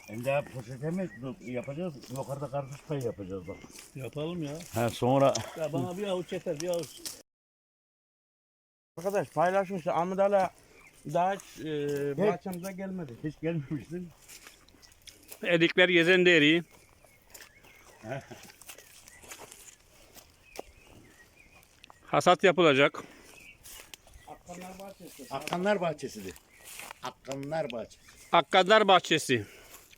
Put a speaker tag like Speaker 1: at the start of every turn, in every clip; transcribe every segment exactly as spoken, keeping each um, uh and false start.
Speaker 1: Hem daha poşete mi yapacağız? Yukarıda karpuz payı yapacağız bak.
Speaker 2: Yapalım ya.
Speaker 1: Ha sonra.
Speaker 2: Ya bana bir avuç yeter, bir avuç.
Speaker 3: Arkadaş paylaşmıştı. Ahmet Ali daha hiç e, bahçemize gelmedi.
Speaker 1: Hiç gelmemiştin.
Speaker 4: Erikler gezen de eriği. Hasat yapılacak.
Speaker 3: Akkanlar bahçesi.
Speaker 1: Akkanlar bahçesidir. Akkanlar bahçesi.
Speaker 4: Akkadlar Bahçesi.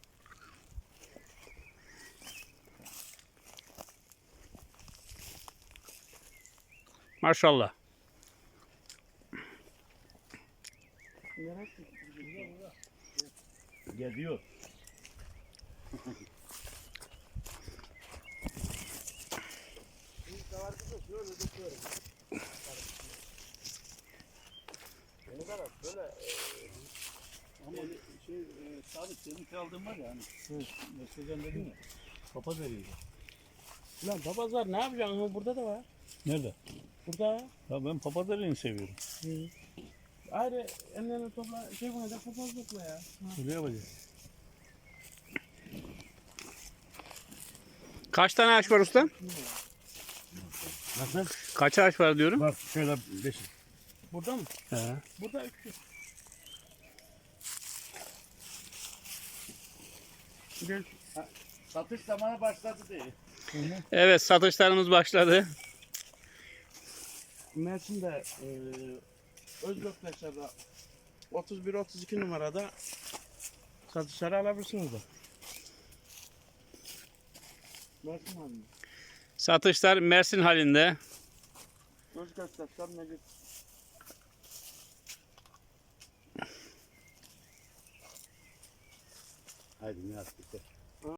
Speaker 4: Maşallah.
Speaker 1: Geliyor.
Speaker 2: Ama şey, e, Sadık senin aldığın var ya hani. Mesleğen dedin ya. Papaz eriği.
Speaker 3: Lan papazlar ne yapacaksın? Ama burada da var.
Speaker 2: Nerede?
Speaker 3: Burada.
Speaker 2: Ya ben papaz eriğini seviyorum.
Speaker 3: Ayrı ellerini topla. Şey buna da papaz topla ya.
Speaker 2: Öyle yapacağız.
Speaker 4: Kaç tane ağaç var usta?
Speaker 1: Nasıl?
Speaker 4: Kaç ağaç var diyorum.
Speaker 1: Bak şöyle beş.
Speaker 3: Burada mı?
Speaker 4: He.
Speaker 3: Burada üç. Gel.
Speaker 1: Satış zamanı başladı diye.
Speaker 4: Evet, satışlarımız başladı.
Speaker 3: Mersin'de e, Özgürtaşlar'da otuz bir otuz iki numarada satışları alabilirsiniz de. Mersin halinde.
Speaker 4: Satışlar Mersin halinde.
Speaker 3: Özgürtaşlar Necip.
Speaker 1: Haydi ne yaptık?